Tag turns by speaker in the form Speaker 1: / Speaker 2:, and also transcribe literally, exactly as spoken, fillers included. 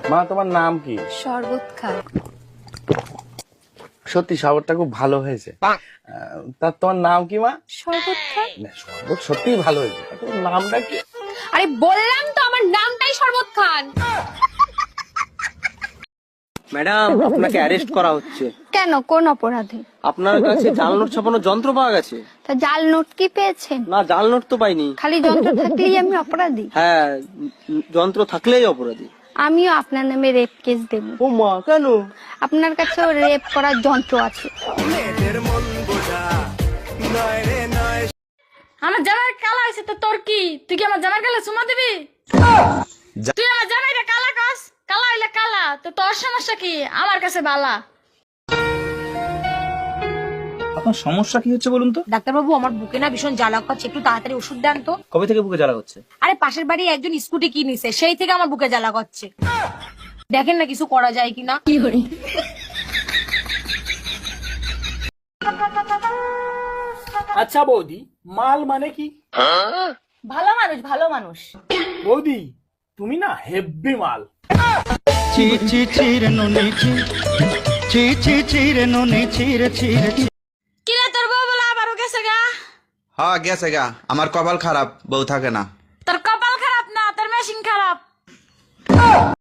Speaker 1: মা তোমার নাম কি?
Speaker 2: শরবত খা।
Speaker 1: সত্যি শরবতটা খুব ভালো হয়েছে। তা তোমার নাম কি মা?
Speaker 2: শরবত খা।
Speaker 1: না, শরবত সত্যি ভালো হয়েছে, তোমার নামটা কি?
Speaker 2: আরে বললাম তো আমার নামটাই শরবত খান।
Speaker 3: ম্যাডাম, আপনাকে অ্যারেস্ট করা হচ্ছে।
Speaker 2: কেন, কোন অপরাধে?
Speaker 3: আপনার কাছে জাল নোট ছাপানোর যন্ত্র পাওয়া গেছে।
Speaker 2: তা জাল নোট কি পেয়েছেন?
Speaker 3: না, জাল নোট তো পাইনি।
Speaker 2: খালি যন্ত্র থাকলেই আমি অপরাধী?
Speaker 3: হ্যাঁ, যন্ত্র থাকলেই অপরাধী।
Speaker 2: আমিও আপনার নামে রেপ কেস দেব।
Speaker 3: ও মা, কেন?
Speaker 2: আপনার কাছেও রেপ করার যন্ত্র আছে।
Speaker 4: আমার জামাই কালা হয়েছে তো তোর কি? তুই কি আমার জামাই কালা চুমা দিবি? তুই আমার জামাইটা কালা কাস, কালা হইলে কালা, তো তোর সমস্যা কি? আমার কাছে বালা।
Speaker 5: আপনার সমস্যা কি হচ্ছে বলুন তো?
Speaker 6: ডাক্তারবাবু, আমার বুকে না ভীষণ জ্বালা করছে, একটু তাড়াতাড়ি ওষুধ দেন তো।
Speaker 5: কবে থেকে বুকে জ্বালা হচ্ছে?
Speaker 6: আরে পাশের বাড়ি একজন স্কুটি কিনেছে, সেই থেকে আমার বুকে জ্বালা করছে। দেখেন না কিছু করা যায় কিনা।
Speaker 2: কি করি?
Speaker 7: আচ্ছা বৌদি, মাল মানে কি?
Speaker 6: ভালো মানুষ, ভালো মানুষ।
Speaker 7: বৌদি তুমি না হেব্বি মাল।
Speaker 8: চি চি চিরে নুনি চি চি চি চিরে নুনি চিরে চিরে
Speaker 4: কি রে তোর বউ বলে আবারও গেছে গা?
Speaker 9: হ্যাঁ গেছে গা, আমার কপাল খারাপ, বউ থাকে না।
Speaker 4: তোর কপাল খারাপ না, তোর মেশিন খারাপ।